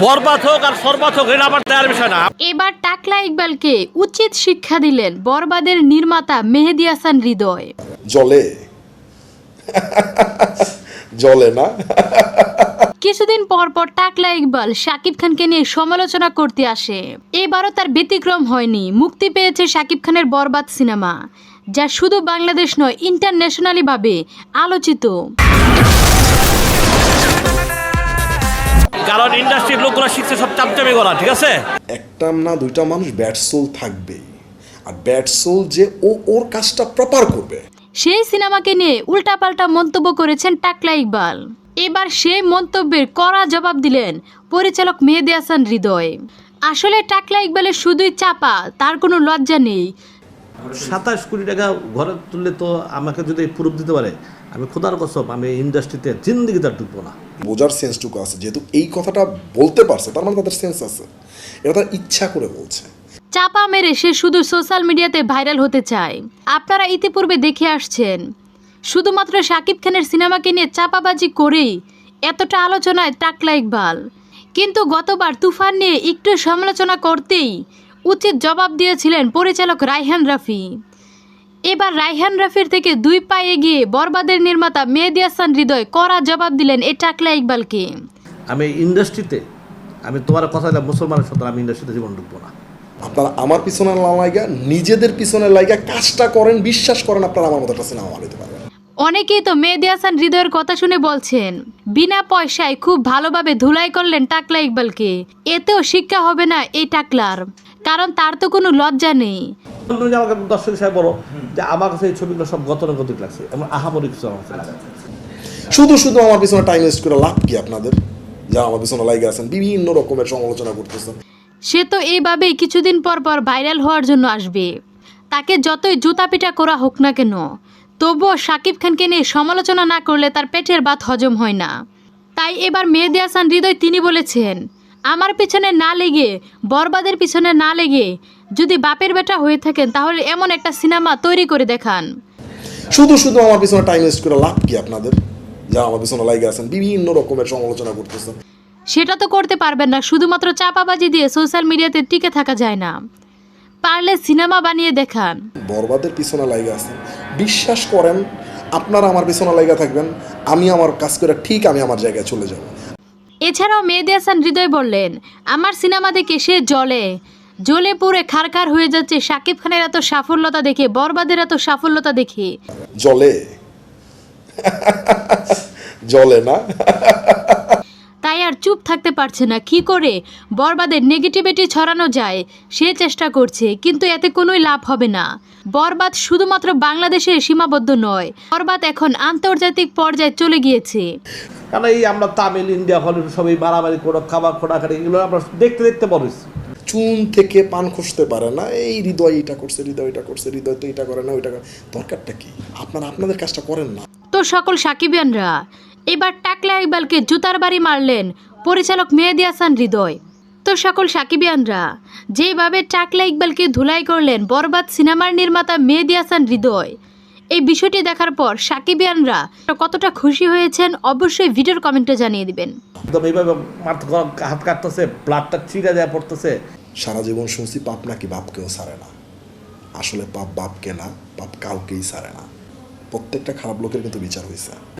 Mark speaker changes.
Speaker 1: বরবাদ হোক আর সরবাদ হোক এটা আমার দেয়ার বিষয় না।
Speaker 2: এবার টাকলা ইকবালকে উচিত শিক্ষা দিলেন বরবাদের নির্মাতা মেহেদী হাসান হৃদয়।
Speaker 3: জলে জলে না।
Speaker 2: কিছুদিন পর পর টাকলা ইকবাল শাকিব খানকে নিয়ে সমালোচনা করতে আসে। এবারও তার ব্যতিক্রম হয়নি। মুক্তি পেয়েছে শাকিব খানের বরবাদ সিনেমা, যা শুধু বাংলাদেশ নয় ইন্টারন্যাশনালি ভাবে আলোচিত।
Speaker 1: কারণ ইন্ডাস্ট্রির লোকগুলো শিখছে সব চাপচাপি করা, ঠিক আছে?
Speaker 3: একটা না দুইটা মানুষ ব্যাড সোল থাকবেই, আর ব্যাড সোল যে ওর কাজটা প্রপার করবে।
Speaker 2: সেই সিনেমাকে নিয়ে উল্টাপাল্টা মন্তব্য করেছেন টাকলা ইকবাল। এবার সেই মন্তব্যের কড়া জবাব দিলেন পরিচালক মেহেদী হাসান হৃদয়। আসলে টাকলা ইকবালের শুধুই চাপা, তার কোনো লজ্জা নেই।
Speaker 4: 27 কোটি টাকা ঘরে তুললে তো আমাকে যদি প্রুফ দিতে পারে, আমি খোদার কসম আমি ইন্ডাস্ট্রিতে জিন্দিগিতে ঢুকবো না।
Speaker 3: বোঝার সেন্সটুকু আছে, যেহেতু এই কথাটা বলতে পারছে তার মানে তাদের সেন্স আছে, এটা তার ইচ্ছা করে বলছে।
Speaker 2: চাপা মেরে সে শুধু সোশ্যাল মিডিয়াতে ভাইরাল হতে চায়। আপনারা ইতিপূর্বে দেখে আসছেন, শুধুমাত্র শাকিব খানের সিনেমাকে নিয়ে চাপাবাজি করেই এতটা আলোচনায় টাকলা ইকবাল। কিন্তু গতবার তুফান নিয়ে একটু সমালোচনা করতেই উচিত জবাব দিয়েছিলেন পরিচালক রায়হান রাফি। এবার রায়হান রাফির থেকে 2 পা এগিয়ে বরবাদের নির্মাতা মেহেদী হাসান হৃদয় কড়া জবাব দিলেন এই টাকলা ইকবালকে।
Speaker 4: আমি ইন্ডাস্ট্রিতে, আমি তোমার কথা দিলাম মুসলমানের সাথে আমি ইন্ডাস্ট্রিতে জীবন ঢুকবো না।
Speaker 3: আপনারা আমার পিছনে না লাইগা নিজেদের পিছনে লাইগা কাজটা করেন, বিশ্বাস করেন আপনারা আমার মতো একটা সিনেমা বানাতে পারবেন।
Speaker 2: অনেকেই তো মেহেদী হাসান হৃদয়ের কথা শুনে বলছেন বিনা পয়সায় খুব ভালোভাবে ধুলাই করলেন টাকলা ইকবালকে। এতেও শিক্ষা হবে না এই টাকলার, কারণ তার তো কোনো লজ্জা নেই।
Speaker 4: আমাকে দর্শক হিসাবে বলো যে আমার কাছে এই ছবিগুলো সব গতানুগতিক লাগছে, এমন আহামরি কিছু আমার কাছে লাগে।
Speaker 3: শুধু শুধু আমার পিছনে টাইম ওয়েস্ট করে লাভ কি আপনাদের? যারা আমার পিছনে লাইগা আছেন বিভিন্ন রকমের সমালোচনা করতেছেন,
Speaker 2: সে তো এইভাবেই কিছুদিন পর পর ভাইরাল হওয়ার জন্য আসবে। তাকে যতই জুতা পিটা করা হোক না কেন, তবুও শাকিব খানকে নিয়ে সমালোচনা না করলে তার পেটের ভাত হজম হয় না। তাই এবার মেহেদী হাসান হৃদয় তিনি বলেছেন, আমার পিছনে না লেগে, বরবাদের পিছনে না লেগে যদি বাপের বেটা হয়ে থাকেন তাহলে এমন একটা সিনেমা তৈরি করে দেখান।
Speaker 3: শুধু শুধু আমার পিছনে টাইম ওয়েস্ট করে লাভ কি আপনাদের? যারা আমার পিছনে লাইগা আছেন বিভিন্ন রকমের সমালোচনা করতেছেন,
Speaker 2: সেটা তো করতে পারবেন না। শুধুমাত্র চাপাবাজি দিয়ে সোশ্যাল মিডিয়াতে টিকে থাকা যায় না, পারলে সিনেমা বানিয়ে দেখান।
Speaker 3: বরবাদের পিছনে লাইগা আছেন, বিশ্বাস করেন আপনারা আমার পিছনে লাইগা থাকবেন, আমি আমার কাজ করে ঠিক আমি আমার জায়গায় চলে যাব।
Speaker 2: এছাড়াও মেহেদী হাসান হৃদয় বললেন, আমার সিনেমা দেখে সে জ্বলে পুড়ে খারখার হয়ে যাচ্ছে শাকিব খানের এত সাফল্যতা দেখে, বরবাদের এত সাফল্যতা দেখে।
Speaker 3: জলে জলে না।
Speaker 2: তাই আর চুপ থাকতে পারছে না, কি করে বরবাদের নেগেটিভিটি ছড়ানো যায় সে চেষ্টা করছে, কিন্তু এতে কোনোই লাভ হবে না। বরবাদ শুধুমাত্র বাংলাদেশে সীমাবদ্ধ নয়, বরবাদ এখন আন্তর্জাতিক পর্যায়ে চলে গিয়েছে।
Speaker 4: কারণ এই আমরা তামিল, ইন্ডিয়া, হলিউড সবই মারামারি করে খাবার খোটাখাটি এগুলো আমরা দেখতে দেখতে বলেছি।
Speaker 3: চুন থেকে পান খসতে পারে না, এই হৃদয় এটা করছে, হৃদয় এটা করছে, হৃদয় তো এটা করে না, ওইটা করে। দরকারটা কি? আপনারা আপনাদের কাজটা করেন না।
Speaker 2: তো সকল সাকিবিয়ানরা এবার টাকলা ইকবালকে জুতার বাড়ি মারলেন পরিচালক মেহেদী হাসান হৃদয়। তো সকল সাকিবিয়ানরা যেভাবে টাকলা ইকবালকে ধুলাই করলেন বরবাদ সিনেমার নির্মাতা মেহেদী হাসান হৃদয়, এই বিষয়টি দেখার পর সাকিবিয়ানরা কতটা খুশি হয়েছেন অবশ্যই ভিডিওর কমেন্টে জানিয়ে দিবেন।
Speaker 4: একদম এইভাবে হাত কাটতেছে, ব্লাডটা ছিঁড়ে দেওয়া পড়তেছে।
Speaker 3: সারা জীবন শুনছি পাপ নাকি বাপকেও ছাড়ে না। আসলে পাপ বাপকে না, পাপ কাউকেই ছাড়ে না। প্রত্যেকটা খারাপ লোকের কিন্তু বিচার হয়েছে।